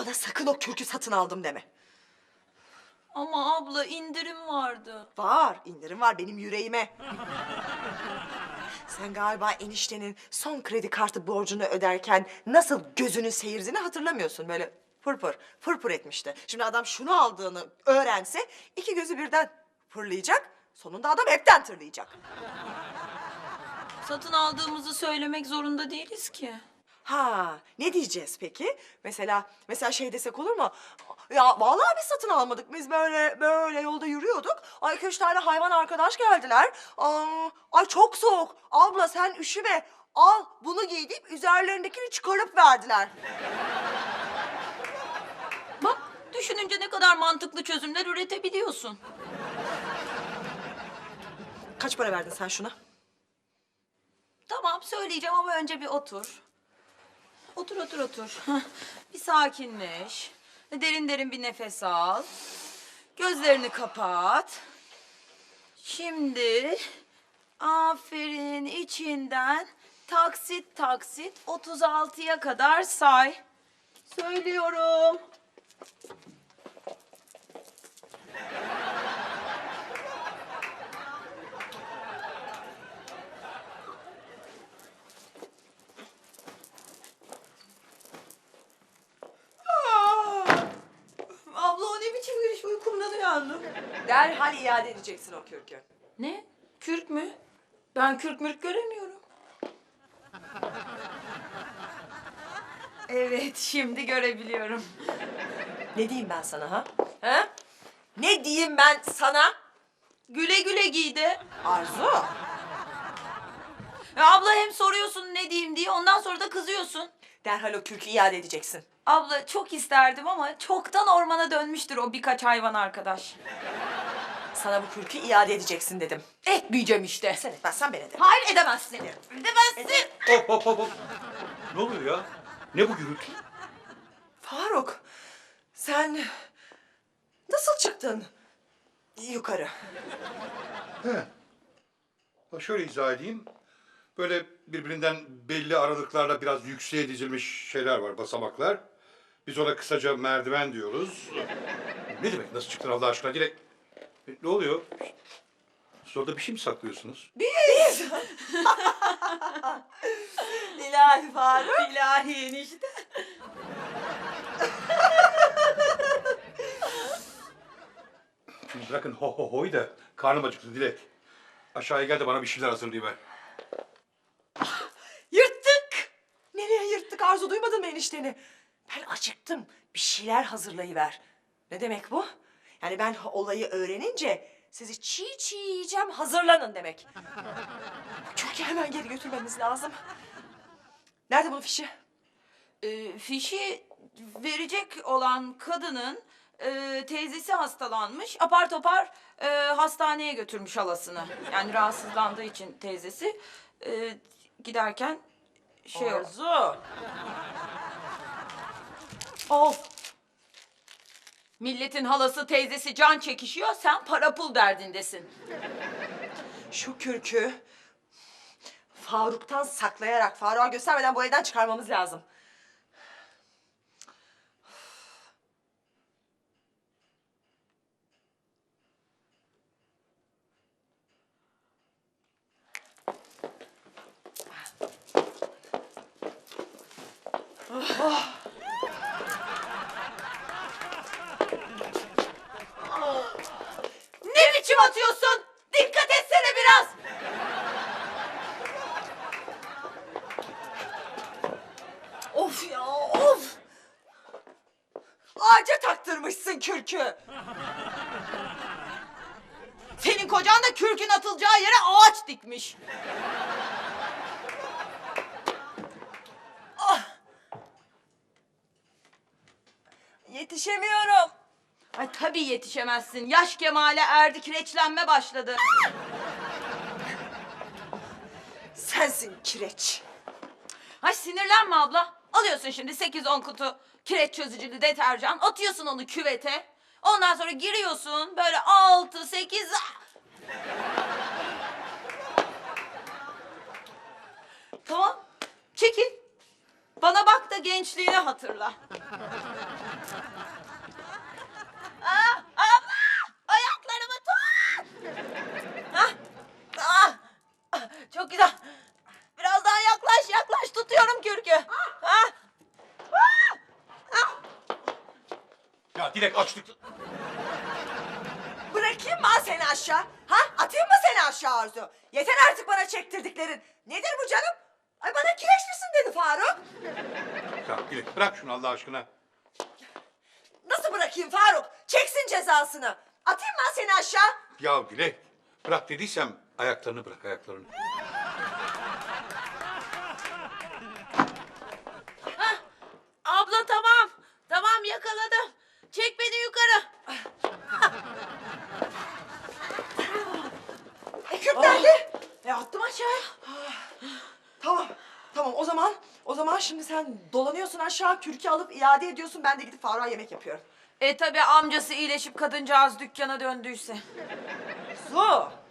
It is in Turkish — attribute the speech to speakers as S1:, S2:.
S1: Bana sakın o kürkü satın aldım deme.
S2: Ama abla indirim vardı.
S1: Var, indirim var benim yüreğime. Sen galiba eniştenin son kredi kartı borcunu öderken nasıl gözünün seyirdiğini hatırlamıyorsun. Böyle fırfır, fırfır etmişti. Şimdi adam şunu aldığını öğrense iki gözü birden fırlayacak. Sonunda adam hepten tırlayacak.
S2: Satın aldığımızı söylemek zorunda değiliz ki.
S1: Ha, ne diyeceğiz peki? Mesela şey desek olur mu? Ya vallahi biz satın almadık. Biz böyle yolda yürüyorduk. Ay 2-3 tane hayvan arkadaş geldiler. Ay çok soğuk. Abla sen üşüme. Al bunu giy deyip üzerlerindekini çıkarıp verdiler.
S2: Bak düşününce ne kadar mantıklı çözümler üretebiliyorsun.
S1: Kaç para verdin sen şuna?
S2: Tamam söyleyeceğim ama önce bir otur. Otur. Hah, bir sakinleş. Derin derin bir nefes al. Gözlerini kapat. Şimdi aferin içinden taksit 36'ya kadar say. Söylüyorum. Abla o ne biçim gülüş, uykumdan uyandım.
S1: Derhal iade edeceksin o kürkü.
S2: Ne? Kürk mü? Ben kürk mürk göremiyorum. Evet, şimdi görebiliyorum.
S1: Ne diyeyim ben sana ha? Ha? Ne diyeyim ben sana?
S2: Güle güle giydi.
S1: Arzu.
S2: Ya abla hem soruyorsun ne diyeyim diye, ondan sonra da kızıyorsun.
S1: Derhal o kürkü iade edeceksin.
S2: Abla çok isterdim ama çoktan ormana dönmüştür o birkaç hayvan arkadaş.
S1: Sana bu kürkü iade edeceksin dedim.
S2: Etmeyeceğim işte.
S1: Sen etmezsen ben ederim.
S2: Hayır edemezsin. Edemezsin.
S3: Hop. Ne oluyor ya? Ne bu gürültü?
S1: Faruk, sen nasıl çıktın yukarı?
S3: He. Ha, şöyle izah edeyim. Böyle birbirinden belli aralıklarla biraz yükseğe dizilmiş şeyler var, basamaklar. Biz ona kısaca merdiven diyoruz. Ne demek? Nasıl çıktın Allah aşkına? Direkt... Ne oluyor? Siz orada bir şey mi saklıyorsunuz?
S1: Biz. İlahi Faruk.
S2: İlahi enişte.
S3: Şimdi bırakın hoy da karnım acıktı Dilek. Aşağıya gel de bana bir şeyler hazırlayıver.
S1: Yırttık. Nereye yırttık Arzu, duymadın mı enişteni? Ben acıktım, bir şeyler hazırlayıver. Ne demek bu? Yani ben olayı öğrenince sizi çiğ çiğ yiyeceğim, hazırlanın demek. Bu kürkü hemen geri götürmemiz lazım. Nerede bunun fişi?
S2: Fişi verecek olan kadının teyzesi hastalanmış. Apar topar hastaneye götürmüş halasını. Yani rahatsızlandığı için teyzesi giderken şey oldu.
S1: Arzu.
S2: Of! Milletin halası teyzesi can çekişiyor, sen para pul derdindesin.
S1: Şu kürkü Faruk'tan saklayarak, Faruk'a göstermeden bu evden çıkarmamız lazım.
S2: Ne biçim atıyorsun? Dikkat etsene biraz!
S1: Of ya, of! Ağaca taktırmışsın kürkü.
S2: Senin kocan da kürkün atılacağı yere ağaç dikmiş.
S1: Yetişemiyorum.
S2: Ay tabii yetişemezsin. Yaş kemale erdi, kireçlenme başladı.
S1: Sensin kireç.
S2: Ay sinirlenme abla. Alıyorsun şimdi 8-10 kutu kireç çözücülü deterjan, atıyorsun onu küvete. Ondan sonra giriyorsun böyle 6-8... Tamam, çekil. Bana bak da gençliğini hatırla. Çok güzel. Biraz daha yaklaş tutuyorum kürkü. Ha?
S3: Ya Dilek açlık...
S1: Bırakayım mı seni aşağı? Ha? Atayım mı seni aşağı Arzu? Yeter artık bana çektirdiklerin. Nedir bu canım? Ay bana kireçlisin dedi Faruk.
S3: Ya Dilek bırak şunu Allah aşkına.
S1: Nasıl bırakayım Faruk? Çeksin cezasını. Atayım mı seni aşağı?
S3: Ya Dilek bırak dediysem ayaklarını bırak ayaklarını.
S2: Abla tamam. Tamam yakaladım. Çek beni yukarı.
S1: Küp nerede?
S2: Attım aşağıya.
S1: Tamam. Tamam o zaman şimdi sen dolanıyorsun aşağı, kürkü alıp iade ediyorsun. Ben de gidip Faruk'a yemek yapıyorum.
S2: Tabii amcası iyileşip kadıncağız dükkana döndüyse.
S1: Su.